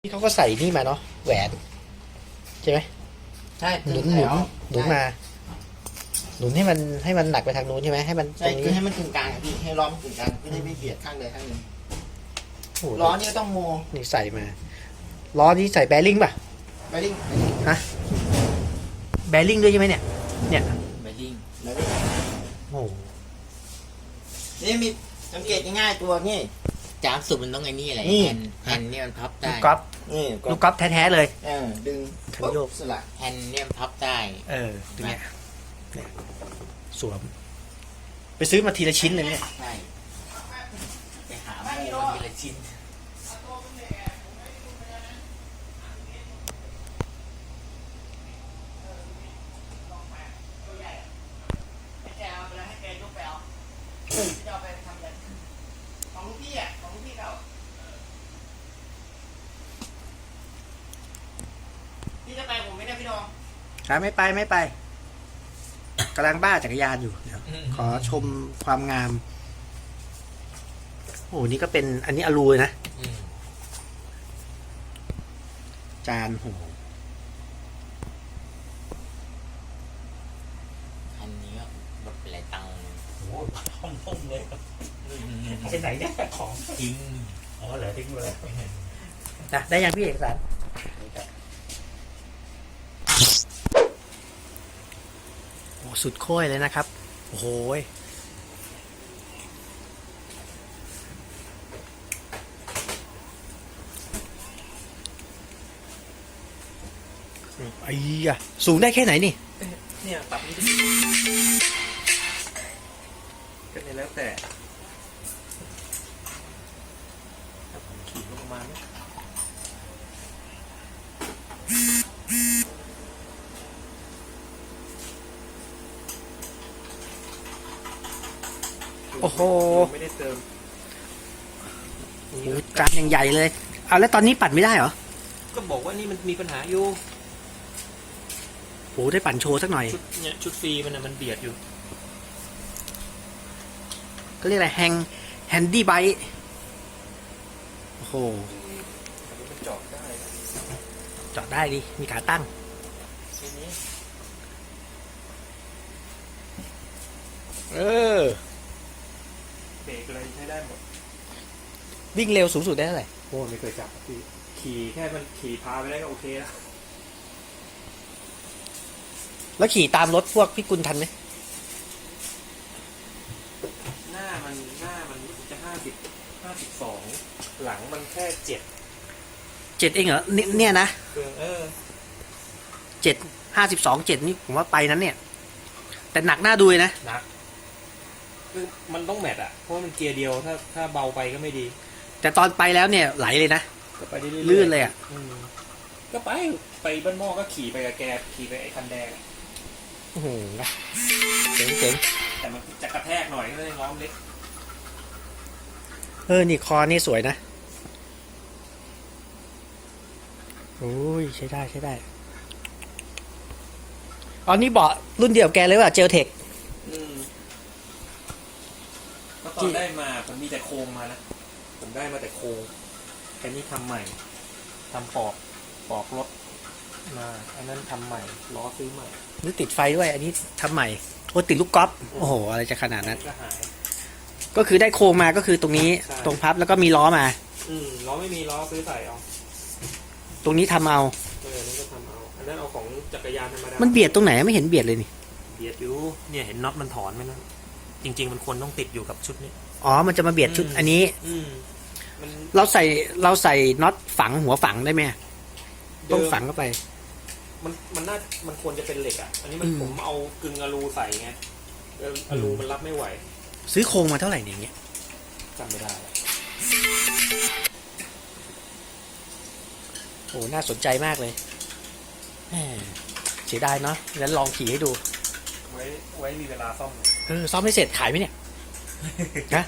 นี่เขาก็ใส่นี่มาเนาะแหวนใช่ไหมใช่หนุนมาหนุนให้มันหนักไปทางนู้นใช่ไหมให้มันตใช่รงคือนี้ให้มันกึ่งกลางอะพี่ให้ล้อมันกึ่งกลางเพื่อให้ไม่เบียดข้างใดข้างหนึ่งโอ้โหล้อนี่ก็ต้องโมนี่ใส่มาล้อนี้ใส่แบริ่งป่ะแบริ่งฮะแบริ่งด้วยใช่ไหมเนี่ยแบริ่งโอ้โหนี่มีสังเกตง่ายๆตัวนี่จามสุดมันต้องไอ้นี่อะไรนี่แฮนเนี่ยมันพับลูได้กกอล์ฟนี่ลูกกอล์ฟแท้ๆเลยดึงขันโยกสลักแฮนเนี่ยมันพับได้ตรงเนี้ยเนี่ยสวมไปซื้อมาทีละชิ้นเลยเนี่ยใช่ไปหาโม่มาทีละชิ้นของลูกพี่อ่ะของลูกพี่เก่าพี่จะไปผมไม่ได้พี่น้องไม่ไปกำลังบ้าจักรยานอยู่เดี๋ยวขอชมความงามโอ้โหนี่ก็เป็นอันนี้อลูเลยนะจานโหอันนี้ก็หมดไปหลายตังค์โอ้โหห้องพุ่งเลยครับไปไหนเนี่ยของทิ้งอ๋อเหรอทิ้งไปเลยนะได้ยังพี่เอกสารโอ้สุดโค้ยเลยนะครับโอ้โหไอ้ยะสูงได้แค่ไหนนี่เนี่ยปรับนี่ก็เลยแล้วแต่ขี่ประมาณนี้โอ้โหไม่ได้เติมโอ้โหจานอย่างใหญ่เลยเอาแล้วตอนนี้ปั่นไม่ได้เหรอก็บอกว่านี่มันมีปัญหาอยู่โอ้โหได้ปั่นโชว์สักหน่อยชุดฟรีมันมันเบียดอยู่ก็เรียกอะไรแฮนดี้ไบค์โอ้โหมันจอดได้จอดได้ดิมีขาตั้งทีนี้เออเบรกอะไรใช้ได้หมดวิ่งเร็วสูงสุดได้เท่าไหร่โอ้ไม่เคยจับพี่ขี่แค่มันขี่พาไปได้ก็โอเคแล้วแล้วขี่ตามรถพวกพี่กุลทันไหมหน้ามันรู้สึกจะ52หลังมันแค่7 7เองเหรอเนี่ยนะเครื่อง 7 52 7นี่ผมว่าไปนั้นเนี่ย แต่หนักหน้าดูเลยนะหนักคือมันต้องแมทอ่ะเพราะว่ามันเกียร์เดียวถ้าเบาไปก็ไม่ดีแต่ตอนไปแล้วเนี่ยไหลเลยนะก็ไปได้เรื่อยๆลื่นเลยอ่ะก็ไปบ้านหม้อก็ขี่ไปกับแกขี่ไปไอ้คันแดงโอ้โหเจ๋งแต่มันจะกระแทกหน่อยก็เลยง้อมเล็กนี่คอนี่สวยนะโอ้ยใช้ได้อ๋อนี่เบาะรุ่นเดียวกับแกเลยว่ะเจลเทคก็ตอนได้มาผมมีแต่โครงมานะผมได้มาแต่โครงแต่นี่ทำใหม่ทำปอกรถมาอันนั้นทำใหม่ล้อซื้อใหม่นี่ติดไฟด้วย อันนี้ทำใหม่โอ้ติดลูกกอล์ฟโอ้โหอะไรจะขนาดนั้นก็หายก็คือได้โครงมาก็คือตรงนี้ใช่ตรงพับแล้วก็มีล้อมาล้อไม่มีล้อซื้อใส่เอาตรงนี้ทำเอานั่นก็ทำเอาอันนั้นเอาของจักรยานธรรมดามันเบียดตรงไหนไม่เห็นเบียดเลยนี่เบียดอยู่เนี่ยเห็นน็อตมันถอนไหมนะจริงๆมันควรต้องติดอยู่กับชุดนี้อ๋อมันจะมาเบียดชุดอันนี้มันเราใส่น็อตฝังหัวฝังได้ไหมต้องฝังเข้าไปมันควรจะเป็นเหล็กอ่ะอันนี้มันผมเอากึ่งอลูใส่ไงอลูมันรับไม่ไหวซื้อโครงมาเท่าไหร่เนี่ยอย่างเงี้ยจำไม่ได้โอ้น่าสนใจมากเลยแหมเสียดายเนาะงั้นลองขี่ให้ดูไว้มีเวลาซ่อมซ่อมไม่เสร็จขายไหมเนี่ย นะ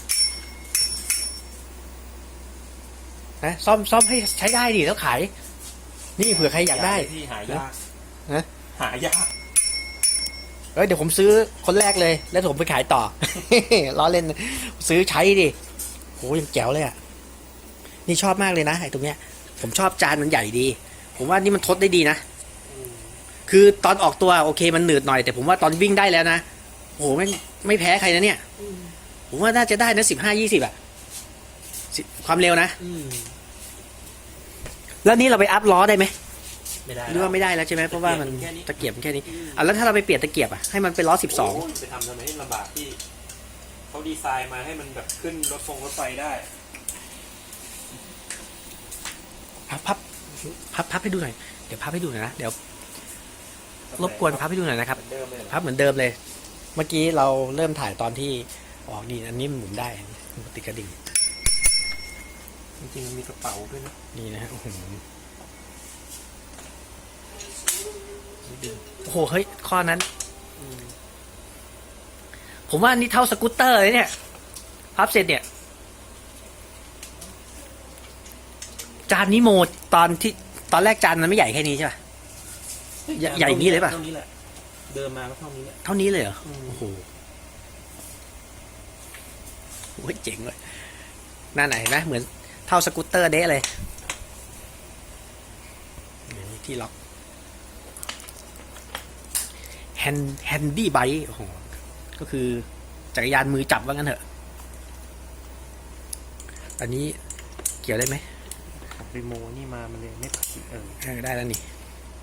ซ่อมให้ใช้ได้ดิแล้วขาย นี่เผื่อใครอยากได้ที่หายากฮะหายากเดี๋ยวผมซื้อคนแรกเลย แล้วผมไปขายต่อ ล้อเล่นซื้อใช้ดิโหยังแจ๋วเลยอ่ะนี่ชอบมากเลยนะไอ้ตรงเนี้ยผมชอบจานมันใหญ่ดี ผมว่านี่มันทดได้ดีนะ คือตอนออกตัวโอเคมันหนืดหน่อยแต่ผมว่าตอนวิ่งได้แล้วนะโอ้โหไม่แพ้ใครนะเนี่ย ผมว่าน่าจะได้นะ15-20อะความเร็วนะ แล้วนี่เราไปอัพล้อได้ไหมไม่ได้หรือว่าไม่ได้แล้วใช่ไหมเพราะว่ามันแค่นี้ตะเกียบมันแค่นี้อ่ะแล้วถ้าเราไปเปลี่ยนตะเกียบอ่ะให้มันเป็นล้อ12 ไปทำทำไมให้ลำบากที่เขาดีไซน์มาให้มันแบบขึ้นรถไฟได้พับให้ดูหน่อยเดี๋ยวพับให้ดูหน่อยนะเดี๋ยวรบกวนพับให้ดูหน่อยนะครับเหมือนเดิมเลยพับเหมือนเดิมเลย เมื่อกี้เราเริ่มถ่ายตอนที่ออกนี่อันนี้มันหมุนได้มันติดกระดิ่งจริงๆมันมีกระเป๋าด้วยนะนี่นะฮะโอ้โหโอ้โหเฮ้ยข้อนั้น ผมว่านี่เท่าสกูตเตอร์เลยเนี่ยพับเสร็จเนี่ย จานนี้โมตอนแรกจานมันไม่ใหญ่แค่นี้ใช่ป่ะ ใหญ่อย่างนี้เลยป่ะเท่านี้แหละเดินมาก็เท่านี้แหละเท่านี้เลยเหรอโอ้โหโอ้ยเจ๋งเลยหน้าไหนเห็นไหมเหมือนเท่าสกูตเตอร์เด๊ะเลยนี่ที่ล็อกแฮนดี้ไบค์โอ้โหก็คือจักรยานมือจับว่างั้นเถอะอันนี้เกี่ยวได้ไหมรีโมนี่มามันเลยไม่ผิดได้แล้วนี่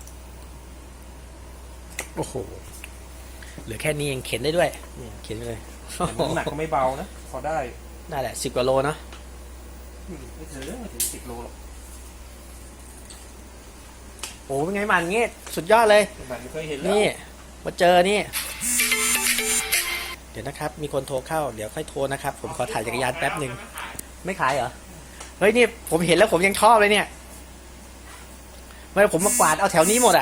โอ้โหเหลือแค่นี้เองเข็นได้ด้วยเนี่ยเข็นไปเลยแต่น้ำหนักก็ไม่เบานะพอได้ได้แหละ10 กว่าโลเนาะไม่ถึง10 โลหรอกโอ้เป็นไงมันเงี้ยสุดยอดเลยแบบไม่เคยเห็นแล้วนี่มาเจอนี่เดี๋ยวนะครับมีคนโทรเข้าเดี๋ยวค่อยโทรนะครับผมขอถ่ายจักรยานแป๊บหนึ่งไม่ขายเหรอเฮ้ยนี่ผมเห็นแล้วผมยังชอบเลยเนี่ยไม่ผมมากวาดเอาแถวนี้หมดอ่ะ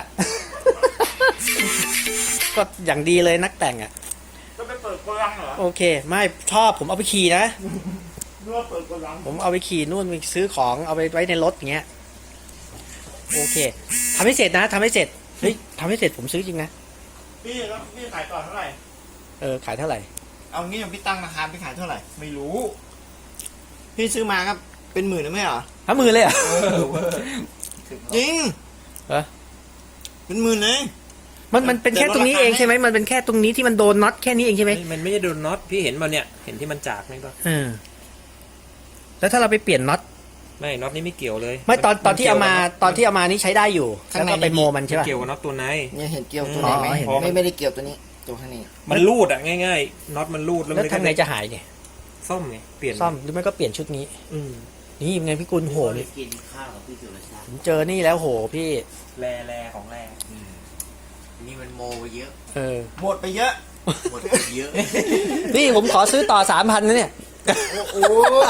ก็อย่างดีเลยนักแต่งอ่ะก็ไปเปิดโกดังเหรอโอเคไม่ชอบผมเอาไปขี่นะนึกว่าเปิดโกดังผมเอาไปขี่นู่นไปซื้อของเอาไปไว้ในรถอย่างเงี้ยโอเคทำให้เสร็จนะทำให้เสร็จเฮ้ยทำให้เสร็จผมซื้อจริงนะพี่แล้วพี่ขายต่อเท่าไหร่ขายเท่าไหร่เอางี้พี่ตั้งราคาพี่ขายเท่าไหร่ไม่รู้พี่ซื้อมาครับเป็นหมื่นหรือไม่เหรอ 50,000เลยเหรอ่ะจริงเหรอเป็นหมื่นเลยมันเป็นแค่ตรงนี้เองใช่ไหมมันเป็นแค่ตรงนี้ที่มันโดนน็อตแค่นี้เองใช่ไหมมันไม่ได้โดนน็อตพี่เห็นมันเนี่ยเห็นที่มันจากไหมก็แล้วถ้าเราไปเปลี่ยนน็อตไม่น็อตนี่ไม่เกี่ยวเลยไม่ตอนที่เอามานี่ใช้ได้อยู่แล้วก็ไปโมมันใช่ป่ะเกี่ยวกับน็อตตัวในเนี่ยเห็นเกี่ยวตัวไหนไหมอ๋อเห็นไม่ได้เกี่ยวตัวนี้ตัวข้างนี้มันรูดอ่ะง่ายๆน็อตมันรูดแล้วแล้วมันทำไงจะหายเนี่ยซ่อมไงเปลี่ยนซ่อมหรือไม่ก็เปลี่ยนชุดนี้อืมนี่ยังไงพี่กุลโหนี่กินข้าวกับพี่สุรชาติผมเจอนี่แล้วโหพี่แรของแรนี่มันโมไปเยอะหมดไปเยอะหมดไปเยอะพี่ผมขอซื้อต่อ 3,000นะเนี่ยโอ้โห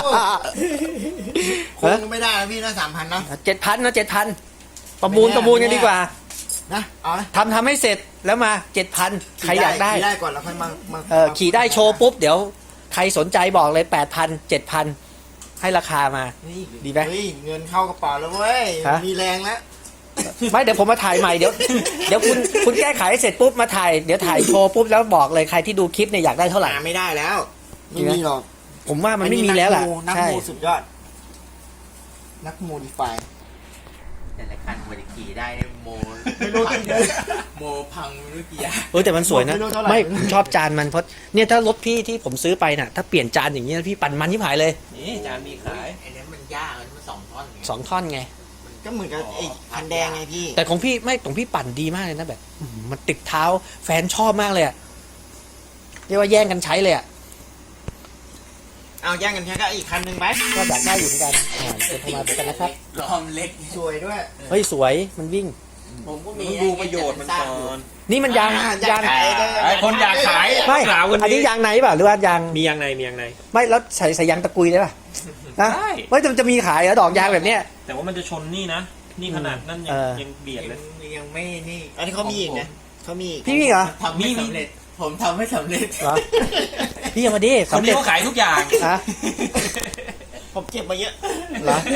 คงไม่ได้นะพี่นะ3,000นะ 7,000นะ7,000ประมูลกันดีกว่านะเอานะทำให้เสร็จแล้วมา 7,000 ใครอยากได้ขี่ได้ก่อนแล้วค่อยมาขี่ได้โชว์ปุ๊บเดี๋ยวใครสนใจบอกเลย 8,000 7,000 ให้ราคามานี่ดีไหมเฮ้ยเงินเข้ากระเป๋าแล้วเว้ยฮะมีแรงแล้วไม่เดี๋ยวผมมาถ่ายใหม่เดี๋ยวคุณแก้ไขให้เสร็จปุ๊บมาถ่ายเดี๋ยวถ่ายโชว์ปุ๊บแล้วบอกเลยใครที่ดูคลิปเนี่ยอยากได้เท่าไหร่หาไม่ได้แล้ว ไม่มีหรอกผมว่ามันไม่มีแล้วล่ะนักใช่โมสุดยอด นักโมดิฟายแต่ละคันมันจะขี่ได้เนี่ยโมไม่รู้กี่เดือนโมพังไม่รู้กี่อย่างแต่มันสวยนะไม่รู้เท่าไหร่ไม่ผมชอบจานมันเพราะเนี่ยถ้ารถพี่ที่ผมซื้อไปน่ะถ้าเปลี่ยนจานอย่างนี้ยพี่ปั่นมันที่หายเลยนี่จานมีขายไอ้นั้นมันยากมัน2 ท่อนไง 2 ท่อนไงก็เหมือนกับไอ้คันแดงไงพี่แต่ของพี่ปั่นดีมากเลยนะแบบมันติดเท้าแฟนชอบมากเลยอะเรียกว่าแย่งกันใช้เลยอะเอาแย่งกันแค่ก็อีกคันหนึ่งไปก็อยากได้อยู่เหมือนกันเดี๋ยวโทรมาเหมือนกันนะครับล้อมเล็กสวยด้วยเฮ้ยสวยมันวิ่งผมก็มึมีงดูประโยชน์มันก่อนนี่มันยางอยากขายได้ไอ้คนอยากขายไม่สาวคนอันนี้นี้ยางไหนเปล่าหรือว่ายางมียางในไม่แล้วใส่ยางตะกุยได้ป่ะนะได้ไม่แต่มันจะมีขายเหรอดอกยางแบบเนี้ยแต่ว่ามันจะชนนี่นะนี่ขนาดนั่นยังเบียดเลยยังไม่นี่อันนี้เขามีอีกนะเขามีอีกพี่มีเหรอทำไม่สำเร็จ ผมทำไม่สำเร็จเหรอพี่เอามาดิคนสำนี้เร็จเขาขายทุกอย่างฮะผมเก็บมาเยอะเหรอ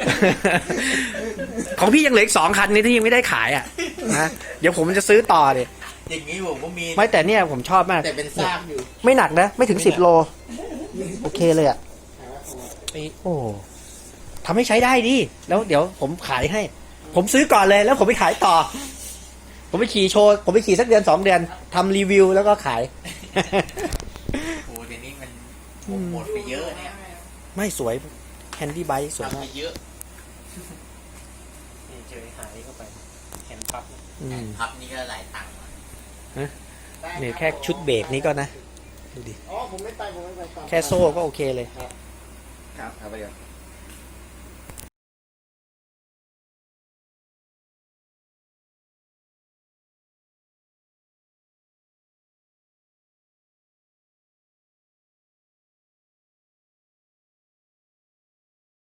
ของพี่ยังเหลืออีก2 คันนี้ที่ยังไม่ได้ขายอ่ะนะเดี๋ยวผมจะซื้อต่อดิอย่างนี้ผมก็มีไม่แต่เนี่ยผมชอบมากแต่เป็นซากอยู่ไม่หนักนะ ไม่ถึง10 โล โอเคเลยอ่ะโอ้ทำให้ใช้ได้ดิแล้วเดี๋ยวผมขายให้ ผมซื้อก่อนเลยแล้วผมไปขายต่อ ผมไปขี่โชว์ผมไปขี่สักเดือน2 เดือนทำรีวิวแล้วก็ขายโอ้เดี๋ยวนี้มันหมดไปเยอะเนี่ยไม่สวยแฮนดี้ไบค์สวยทำมาไปกเยอะนี่เจอหายเข้าไปแขนพับอืมพับนี่ก็หลายตังค์ว่ะเนี่ยแค่ชุดเบรกนี้ก็นะดูดิอ๋อผมไม่ไปต่อแค่โซ่ก็โอเคเลยครับครับไปเดี๋ยว